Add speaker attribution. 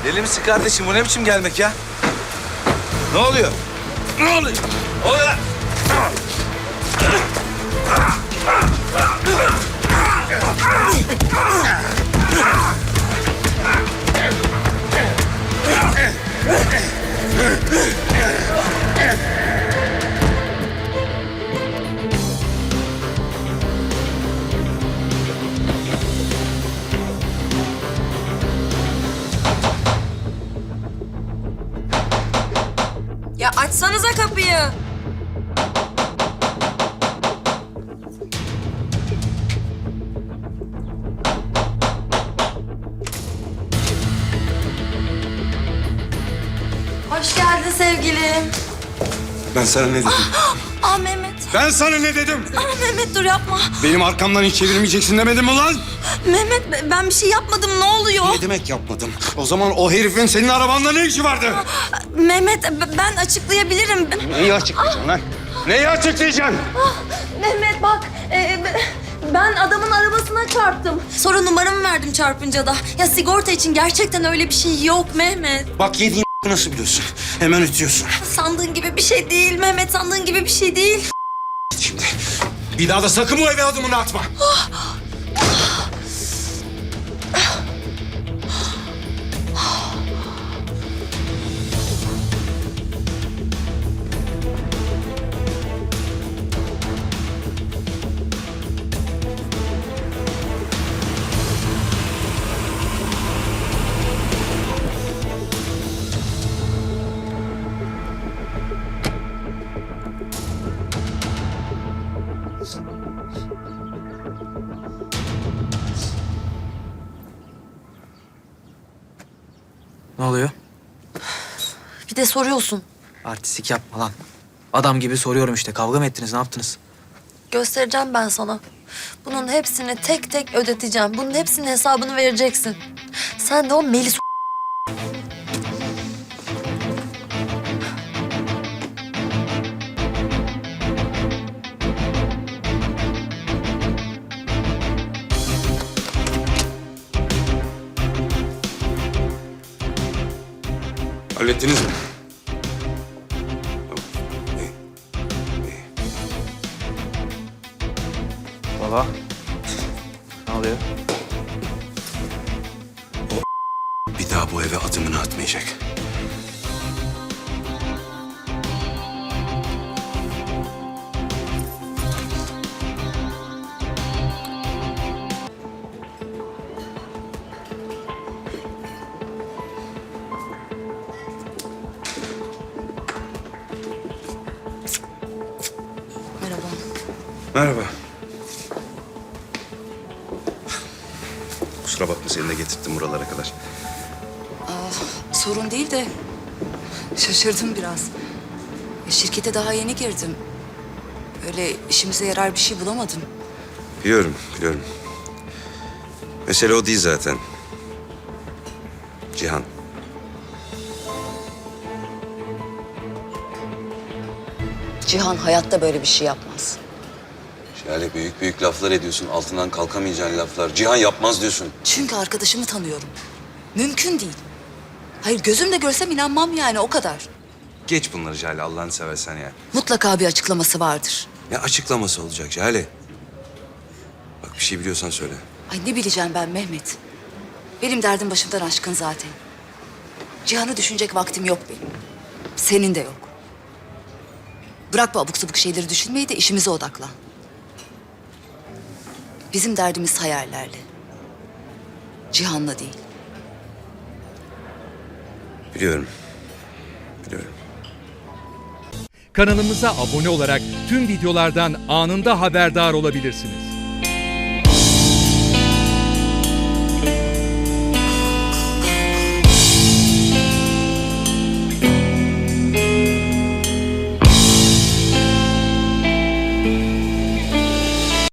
Speaker 1: Deli misin kardeşim? Bu ne biçim gelmek ya? Ne oluyor? Ne oluyor? Ne oluyor lan?
Speaker 2: Ya açsanıza kapıyı. Hoş geldin sevgilim.
Speaker 3: Ben sana ne dedim?
Speaker 2: Mehmet.
Speaker 3: Ben sana ne dedim?
Speaker 2: Mehmet dur yapma.
Speaker 3: Benim arkamdan hiç çevirmeyeceksin demedim mi lan?
Speaker 2: Mehmet ben bir şey yapmadım ne oluyor?
Speaker 3: Ne demek yapmadım? O zaman o herifin senin arabanda ne işi vardı?
Speaker 2: Mehmet ben açıklayabilirim.
Speaker 3: Neyi açıklayacaksın lan? Neyi açıklayacaksın?
Speaker 2: Mehmet bak ben adamın arabasına çarptım. Sonra numaramı verdim çarpınca da. Ya sigorta için gerçekten öyle bir şey yok Mehmet.
Speaker 3: Bak yediğin nasıl biliyorsun? Hemen ötüyorsun.
Speaker 2: Sandığın gibi bir şey değil Mehmet, sandığın gibi bir şey değil.
Speaker 3: Şimdi bir daha da sakın bu eve adımını atma.
Speaker 4: Ne oluyor?
Speaker 2: Bir de soruyorsun.
Speaker 4: Artistik yapma lan. Adam gibi soruyorum işte. Kavga mı ettiniz? Ne yaptınız?
Speaker 2: Göstereceğim ben sana. Bunun hepsini tek tek ödeteceğim. Bunun hepsinin hesabını vereceksin. Sen de o Melis
Speaker 3: Hallettiniz mi?
Speaker 4: Baba. Ne oluyor?
Speaker 3: Bir daha bu eve adımını atmayacak.
Speaker 2: Merhaba.
Speaker 3: Merhaba. Kusura bakma seni de getirttim buralara kadar.
Speaker 5: Sorun değil de şaşırdım biraz. Şirkete daha yeni girdim. Öyle işimize yarar bir şey bulamadım.
Speaker 3: Biliyorum, biliyorum. Mesele o değil zaten. Cihan.
Speaker 5: Cihan hayatta böyle bir şey yapmaz.
Speaker 3: Şöyle büyük büyük laflar ediyorsun. Altından kalkamayacağın laflar. Cihan yapmaz diyorsun.
Speaker 5: Çünkü arkadaşımı tanıyorum. Mümkün değil. Hayır gözümle görsem inanmam yani o kadar.
Speaker 3: Geç bunları Jale Allah'ını seversen ya.
Speaker 5: Mutlaka bir açıklaması vardır.
Speaker 3: Ne açıklaması olacak Jale? Bak bir şey biliyorsan söyle.
Speaker 5: Ay ne bileceğim ben Mehmet. Benim derdim başımdan aşkın zaten. Cihan'ı düşünecek vaktim yok benim. Senin de yok. Bırak bu abuk sabuk şeyleri düşünmeyi de işimize odaklan. Bizim derdimiz hayallerle. Cihan'la değil.
Speaker 3: Biliyorum. Biliyorum.
Speaker 6: Kanalımıza abone olarak tüm videolardan anında haberdar olabilirsiniz.